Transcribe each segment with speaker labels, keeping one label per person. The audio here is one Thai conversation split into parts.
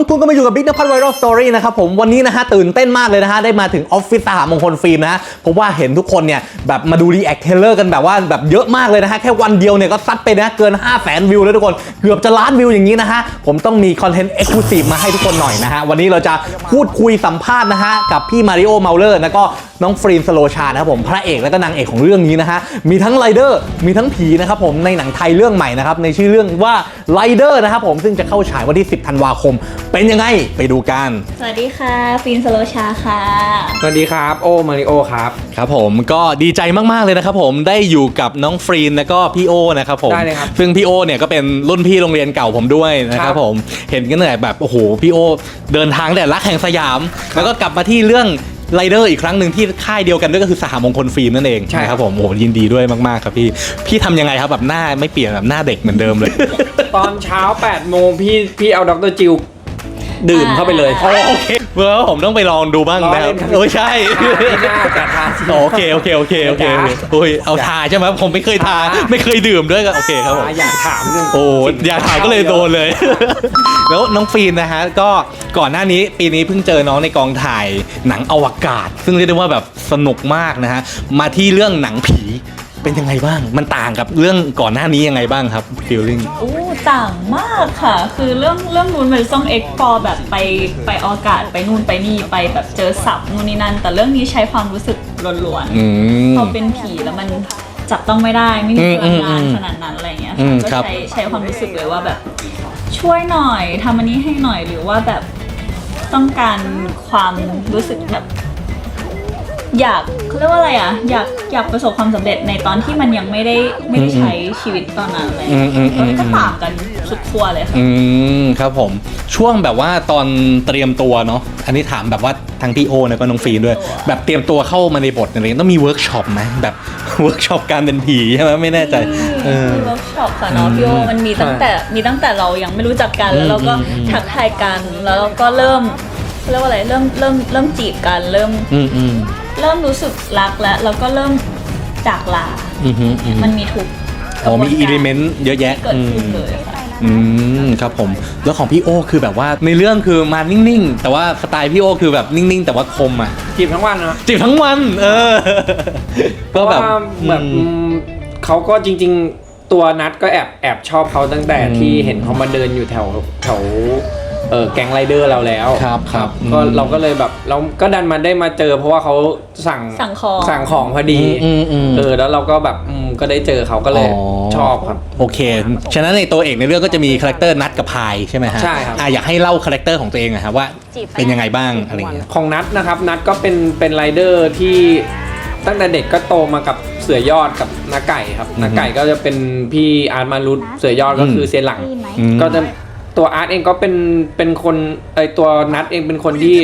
Speaker 1: ทุกๆก็มาอยู่กับบิ๊กนภัทรไวรัลสตอรี่นะครับผมวันนี้นะฮะตื่นเต้นมากเลยนะฮะได้มาถึงออฟฟิศสหมงคลฟิล์มนะฮะเพราะว่าเห็นทุกคนเนี่ยแบบมาดูรีแอคเทเลอร์กันแบบว่าแบบเยอะมากเลยนะฮะแค่วันเดียวเนี่ยก็ซัดไปนะเกิน 500,000 วิวแล้วทุกคนเกือบจะล้านวิวอย่างนี้นะฮะผมต้องมีคอนเทนต์เอ็กซ์คลูซีฟมาให้ทุกคนหน่อยนะฮะวันนี้เราจะพูดคุยสัมภาษณ์นะฮะกับพี่มาริโอเมาเลอร์แล้วก็น้องฟรีนสโลชานะครับผมพระเอกและก็นางเอกของเรื่องนี้นะฮะมีทั้งไรเดอร์มีทั้งผีนะครับผมในหนังไทยเรื่องใหม่นะครับในชื่อเรื่องว่าไรเดอร์นะครับผมซึ่งจะเข้าฉายวันที่10 ธันวาคมเป็นยังไงไปดูกัน
Speaker 2: สวัสดีค่ะฟินสโลชาค่ะ
Speaker 3: สวัสดีครับโอมาริโอครับ
Speaker 1: ครับผมก็ดีใจมากๆเลยนะครับผมได้อยู่กับน้องฟรีนแล้วก็พี่โอนะครับผม
Speaker 3: ได้เลยครับ
Speaker 1: ซึ่งพี่โอเนี่ยก็เป็นรุ่นพี่โรงเรียนเก่าผมด้วยนะครับผมเห็นกันเลยแบบโอ้โหพี่โอเดินทางแต่รักแห่งสยามแล้วก็กลับมาที่เรื่องไรเดอร์อีกครั้งหนึ่งที่ค่ายเดียวกันด้วยก็คือสหมงคลฟิล์มนั่นเองใช่ครับผมโอ้โหยินดีด้วยมากๆครับพี่ทำยังไงครับแบบหน้าไม่เปลี่ยนแบบหน้าเด็กเหมือนเดิมเลย
Speaker 3: ตอนเช้า8 โมงพี่เอาดร.จิวดื่มเข้าไปเลย
Speaker 1: โอเคเมื่อผมต้องไปลองดูบ้างนะครับโอ้ยใช่
Speaker 3: ไม่น่าจะทาน
Speaker 1: โอเคโอ้ยเอาทาใช่ไหมผมไม่เคยทาไม่เคยดื่มด้วยก็โอเคครับผม
Speaker 3: อยากถามเรื่อง
Speaker 1: โอ้อยากถามก็เลยโดนเลยแล้วน้องฟีนนะฮะก็ก่อนหน้านี้ปีนี้เพิ่งเจอน้องในกองถ่ายหนังอวกาศซึ่งเรียกได้ว่าแบบสนุกมากนะฮะมาที่เรื่องหนังผีเป็นยังไงบ้างมันต่างกับเรื่องก่อนหน้านี้ยังไงบ้างครับฟีลลิ่ง
Speaker 2: ต่างมากค่ะคือเรื่องนู้นมันต้องเอ็กพอร์แบบไปอากาศไปนู่นไปนี่ไปแบบเจอศัพท์นู่นนี่นั่นแต่เรื่องนี้ใช้ความรู้สึกล้วนๆพอเป็นผีแล้วมันจับต้องไม่ได้ไม่มีพลังงานขนาดนั้นอะไรเงี้ยก็ใช้ความรู้สึกเลยว่าแบบช่วยหน่อยทำอันนี้ให้หน่อยหรือว่าแบบต้องการความรู้สึกแบบอยากเขาเรียกว่าอะไรอ่ะอยากประสบความสำเร็จในตอนที่มันยังไม่ได้ใช้ชีวิตตอนนั้นเลยก็ต่างกันสุดขั้วเลยค่ะ
Speaker 1: ครับผมช่วงแบบว่าตอนเตรียมตัวเนาะอันนี้ถามแบบว่าทั้งพี่โอแล้วก็น้องฟีนด้วยแบบเตรียมตัวเข้ามาในบทอะไรต้องมีเวิร์กช็อปไหมแบบเวิร์กช็อปการเป็นผีใช่ไหมไม่แน่ใจ
Speaker 2: มีเวิร์กช็อปค่ะเนาะพี่โอมันมีตั้งแต่เรายังไม่รู้จักกันแล้วเราก็ทักทายกันแล้วเราก็เริ่มเรียกว่าอะไรเริ่มจีบกันเริ่มรู้สึกรักแล้วก็เริ่มจากลามันมีทุก
Speaker 1: มีอิเลเมนต์เยอะแยะ
Speaker 2: เกิดขึ้นเลยค่ะ
Speaker 1: ครับผมแล้วของพี่โอคือแบบว่าในเรื่องคือมานิ่งๆแต่ว่าสไตล์พี่โอคือแบบนิ่งๆแต่ว่าคมอ่ะ
Speaker 3: จีบทั้งวันเนาะ
Speaker 1: จีบทั้งวัน
Speaker 3: ก็แบบเขาก็จริงๆตัวนัทก็แอบชอบเขาตั้งแต่ที่เห็นเขามาเดินอยู่แถวแก๊งไรเดอร์เราแล้ว
Speaker 1: ครับ
Speaker 3: ก็เราก็เลยแบบเราก็ดันมาได้มาเจอเพราะว่าเขาสั่งของพอดีแล้วเราก็แบบก็ได้เจอเขาก็เลยชอบครับ
Speaker 1: โอเคฉะนั้นในตัวเอกในเรื่องก็จะมีคาแรคเตอร์นัทกับพายใช่ไหมฮะ
Speaker 3: ใช่ครับ
Speaker 1: อยากให้เล่าคาแรคเตอร์ของตัวเองนะครับว่าเป็นยังไงบ้างอะไรเงี้ย
Speaker 3: ของนัทนะครับนัทก็เป็นไรเดอร์ที่ตั้งแต่เด็กก็โตมากับเสือยอดกับน้าไก่ครับน้าไก่ก็จะเป็นพี่อาร์ตมารุตเสือยอดก็คือเซียนหลังก็จะตัวอาร์ตเองก็เป็นคนตัวนัทเองเป็นคนที่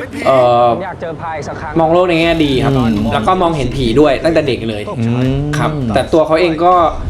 Speaker 3: มองโลกในแง่ดีครับแล้วก็มองเห็นผีด้วยตั้งแต่เด็กเลยครับแต่ตัวเขาเอง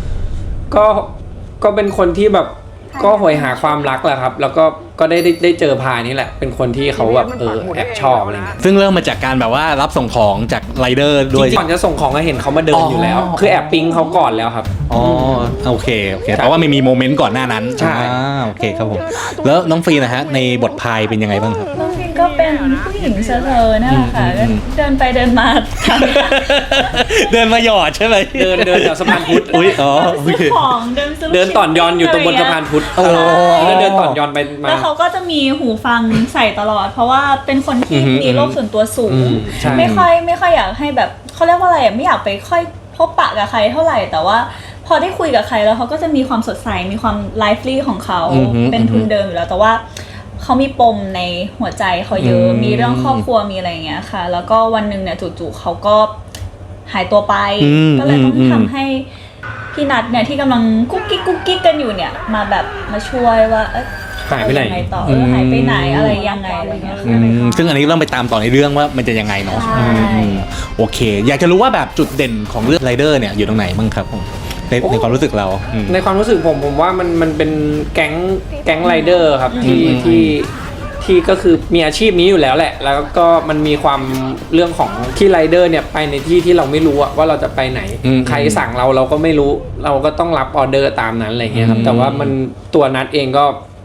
Speaker 3: ก็เป็นคนที่แบบก็โหยหาความรักแหละครับแล้วก็ได้เจอพายนี่แหละเป็นคนที่เขาแบบแอบชอบอะไรเงี้ย
Speaker 1: ซึ่งเริ่มมาจากการแบบว่ารับส่งของจากไรเดอร์ด้วย
Speaker 3: ก่อนจะส่งของก็เห็นเขามาเดินอยู่แล้วคือแอบปิ๊งเขาก่อนแล้วครับ
Speaker 1: โอเคแต่ว่าไม่มีโมเมนต์ก่อนหน้านั้น
Speaker 3: ใช่
Speaker 1: โอเคครับผมแล้วน้องฟรีนะฮะในบทพายเป็นยังไงบ้างครับ
Speaker 2: น้องฟรีก็เป็นผู้หญิงเซอร์นั่นแหละค่ะเดินไปเดินมา
Speaker 1: เดินมาหยอดใช่ไหม
Speaker 3: เดินแถวสะพานพุทธ
Speaker 2: ของ
Speaker 3: เดินต่อนยอนอยู่ตรงบนสะพานพุทธแล้วเดินต่อนยอนไปมา
Speaker 2: แล้วเขาก็จะมีหูฟังใส่ตลอดเพราะว่าเป็นคนที่มีโลกส่วนตัวสูงไม่ค่อยอยากให้แบบเขาเรียกว่าอะไรไม่อยากไปค่อยพบปะกับใครเท่าไหร่แต่ว่าพอได้คุยกับใครแล้วเขาก็จะมีความสดใสมีความไลฟ์ลี่ของเขาเป็นทุนเดิมอยู่แล้วแต่ว่าเขามีปมในหัวใจเขาเยอะมีเรื่องครอบครัวมีอะไรอย่างเงี้ยค่ะแล้วก็วันหนึ่งเนี่ยจู่ๆเขาก็หายตัวไปก็เลยต้องทำให้พี่นัทเนี่ยที่กำลังกุ๊กกิ๊กกันอยู่เนี่ยมาช่วยว่า
Speaker 3: หายไปไหน
Speaker 2: ต่อหายไปไหนอะไรยังไงอะไรเงี้ย
Speaker 1: ซึ่งอันนี้ต้องไปตามต่อในเรื่องว่ามันจะยังไงเนาะโอเคอยากจะรู้ว่าแบบจุดเด่นของเรื่องไรเดอร์เนี่ยอยู่ตรงไหนบ้างครับผมในความรู้สึกเรา
Speaker 3: ในความรู้สึกผมว่ามันเป็นแก๊งไรเดอร์ครับที่ก็คือมีอาชีพนี้อยู่แล้วแหละแล้วก็มันมีความเรื่องของที่ไรเดอร์เนี่ยไปในที่เราไม่รู้ว่าเราจะไปไหนใครสั่งเราก็ไม่รู้เราก็ต้องรับออเดอร์ตามนั้นอะไรเงี้ยครับแต่ว่ามันตัวนัทเองก็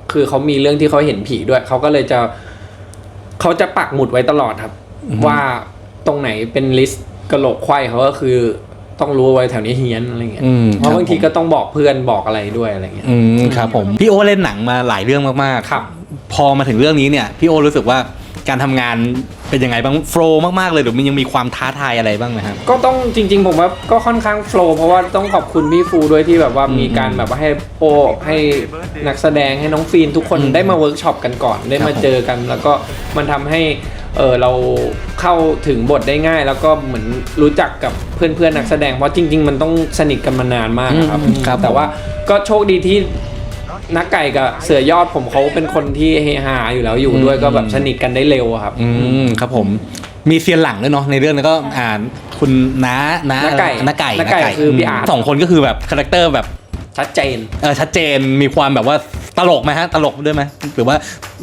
Speaker 3: คือเขามีเรื่องที่เขาเห็นผีด้วยเขาก็เลยเขาจะปักหมุดไว้ตลอดครับ ว่าตรงไหนเป็นลิสต์กระโหลกไขว้เขาก็คือต้องรู้ไว้แถวนี้เฮี้ยนอะไรเงี้ยเพราะบางทีก็ต้องบอกเพื่อนบอกอะไรด้วยอะไรเงี้ย
Speaker 1: ครับผมพี่โอเล่นหนังมาหลายเรื่องมากๆ
Speaker 3: ครับ
Speaker 1: พอมาถึงเรื่องนี้เนี่ยพี่โอรู้สึกว่าการทำงานเป็นยังไงบ้างโฟล์มากๆเลยหรือมันยังมีความท้าทายอะไรบ้างไหมครับ
Speaker 3: ก็ต้องจริงๆผมว่าก็ค่อนข้างโฟล์เพราะว่าต้องขอบคุณพี่ฟูด้วยที่แบบว่ามีการแบบว่าให้โอให้นักแสดงให้น้องฟีนทุกคนได้มาเวิร์กช็อปกันก่อนได้มาเจอกันแล้วก็มันทำให้เราเข้าถึงบทได้ง่ายแล้วก็เหมือนรู้จักกับเพื่อนๆนักแสดงเพราะจริงๆมันต้องสนิทกันมานานมากครับแต่ว่าก็โชคดีที่นักไก่กับเสือยอดผมเขาเป็นคนที่เฮฮาอยู่แล้วอยู่ด้วยก็แบบสนิทกันได้เร็วครับ
Speaker 1: ครับผมมีเซียนหลังด้วยเนาะในเรื่องนั้นก็คุณน้าไก่
Speaker 3: คือพี่อาร์ต
Speaker 1: 2คนก็คือแบบคาแรคเตอร์แบบ
Speaker 3: ชัดเจน
Speaker 1: ชัดเจนมีความแบบว่าตลกไหมฮะตลกด้วยไหมหรือว่า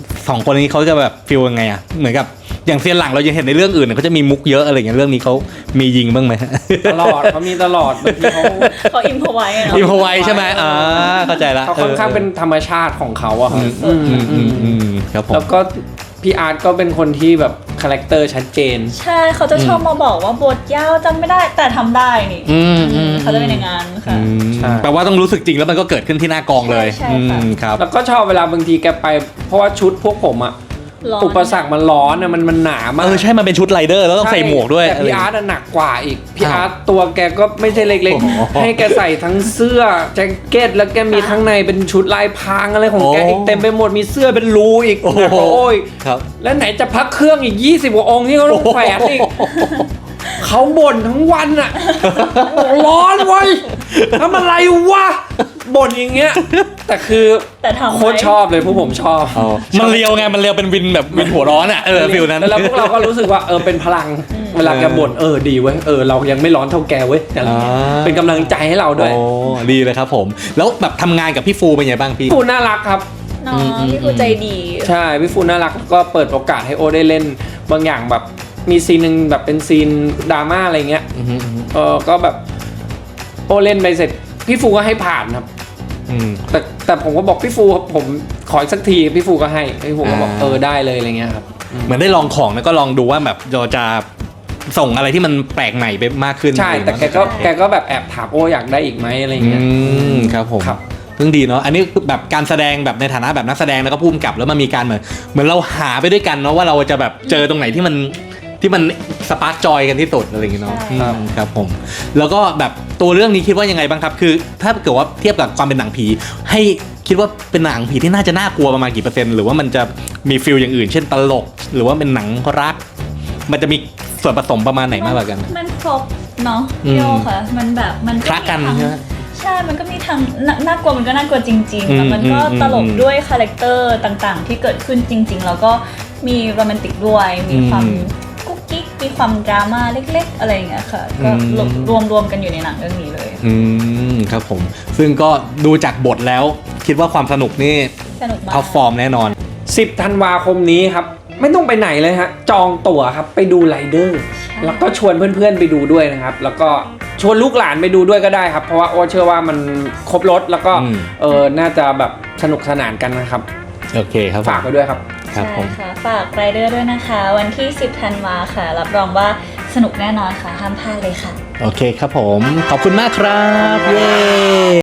Speaker 1: 2คนนี้เขาจะแบบฟีลยังไงอ่ะเหมือนกับอย่างเซียนหลังเรายังเห็นในเรื่องอื่นเขาจะมีมุกเยอะอะไรอย่างเงี้ยเรื่องนี้เขามียิงบ้างไหม
Speaker 3: ตลอดเขามีตลอดบางที
Speaker 2: เขาอิมพอไว้
Speaker 1: ใช่ไหมเข้าใจละ
Speaker 3: เขาค่อนข้างเป็นธรรมชาติของเขาอะครับ
Speaker 1: ครับผม
Speaker 3: แล้วก็พี่อาร์ตก็เป็นคนที่แบบคาแรคเตอร์ชัดเจน
Speaker 2: ใช่เขาจะชอบมาบอกว่าบทยาวจำไม่ได้แต่ทำได้นี่เขาจะเป็นอย่างนั้นค่ะ
Speaker 1: แปลว่าต้องรู้สึกจริงแล้วมันก็เกิดขึ้นที่หน้ากองเลย
Speaker 3: ครับแล้วก็ชอบเวลาบางทีแกไปเพราะว่าชุดพวกผมอะอุปสรรคมันร้อนอะมันหนามาก
Speaker 1: ใช่มันเป็นชุดไรเดอร์แล้วต้องใส่หมวกด้วย
Speaker 3: แต่พี่อาร์ตหนักกว่าอีกพี่อาร์ตตัวแกก็ไม่ใช่เล็กๆให้แกใส่ทั้งเสื้อแจ็คเก็ตแล้วแกมีข้างในเป็นชุดลายพรางอะไรของแกอีกเต็มไปหมดมีเสื้อเป็นรูอีกโอ้ยแล้วไหนจะพักเครื่องอีก20 กว่าองค์ที่เขาต้องแขวนอีกเขาบ่นทั้งวันอะร้อนเว้ยทำอะไรวะบ่นอย่างเงี้ยแต่คือโคตรชอบเลยพวกผมชอบ
Speaker 1: มันเลียวไงมันเลียวเป็นวินแบบวินหัวร้อนอ่ะฟิลนั้น
Speaker 3: แล้วพวกเราก็รู้สึกว่าเป็นพลังเวลาแกบ่นดีเว้ยเรายังไม่ร้อนเท่าแกเว้ยเป็นกำลังใจให้เราด้วย
Speaker 1: ดีเลยครับผมแล้วแบบทำงานกับพี่ฟูเป็นไงบ้างพี่
Speaker 3: ฟูน่ารักครับ
Speaker 2: พี่ฟูใจดี
Speaker 3: ใช่พี่ฟูน่ารักก็เปิดโอกาสให้โอได้เล่นบางอย่างแบบมีซีนนึงแบบเป็นซีนดราม่าอะไรเงี้ยก็แบบโอเล่นไปเสร็จพี่ฟูก็ให้ผ่านครับแต่ผมก็บอกพี่ฟูผมขออีกสักทีพี่ฟูก็ให้พี่ฟูก็บอกได้เลยอะไรเงี้ยครับ
Speaker 1: เหมือนได้ลองของแล้วก็ลองดูว่าแบบเราจะส่งอะไรที่มันแปลกใหม่ไปมากขึ้น
Speaker 3: ใช่แต่แกก็แบบแอบถามโออยากได้อีกไหมอะไรเงี้ย
Speaker 1: ครับผมเพิ่งดีเนาะอันนี้แบบการแสดงแบบในฐานะแบบนักแสดงแล้วก็ผู้กำกับแล้วมันมีการเหมือนเราหาไปด้วยกันเนาะว่าเราจะแบบเจอตรงไหนที่มันสปาร์กจอยกันที่สุดอะไรอย่างเงี้ยเนาะครับผมแล้วก็แบบตัวเรื่องนี้คิดว่ายังไงบ้างครับคือถ้าเกิดว่าเทียบกับความเป็นหนังผีให้คิดว่าเป็นหนังผีที่น่าจะน่ากลัวประมาณกี่เปอร์เซ็นต์หรือว่ามันจะมีฟีลอย่างอื่นเช่นตลกหรือว่าเป็นหนังรักมันจะมีส่วนผสมประมาณไหนมากกว่ากัน
Speaker 2: มันครบเนาะพี่โอค่ะมันแบบมัน
Speaker 1: คล้ากันใช่ไหม
Speaker 2: ใช่มันก็มีทั้งน่ากลัวมันก็น่ากลัวจริงๆแต่มันก็ตลกด้วยคาแรคเตอร์ต่างๆที่เกิดขึ้นจริงๆแล้วก็มีโรแมนติกด้วยมีความกุ๊กกิ๊กมีความดราม่าเล็กๆอะไรอย่างเงี้ยค่ะก็รวมกันอยู่ในหนังเรื่องนี้เลย
Speaker 1: ครับผมซึ่งก็ดูจากบทแล้วคิดว่าความสนุกนี่
Speaker 2: สนุกมาก
Speaker 1: ท็อปฟอร์มแน่นอน
Speaker 3: 10 ธันวาคมนี้ครับไม่ต้องไปไหนเลยฮะจองตั๋วครับไปดูไรเดอร์แล้วก็ชวนเพื่อนๆไปดูด้วยนะครับแล้วก็ชวนลูกหลานไปดูด้วยก็ได้ครับเพราะว่าโอเชื่อว่ามันครบรถแล้วก็น่าจะแบบสนุกสนานกันนะครับ
Speaker 1: โอเคครับ
Speaker 3: ฝากไว้ด้วยครับ
Speaker 2: ใช่ค่ะฝากไรเดอร์ด้วยนะคะวันที่10 ธันวาค่ะรับรองว่าสนุกแน่นอนค่ะห้ามพลาดเลยค่ะ
Speaker 1: โอเคครับผมขอบคุณมากครับเย้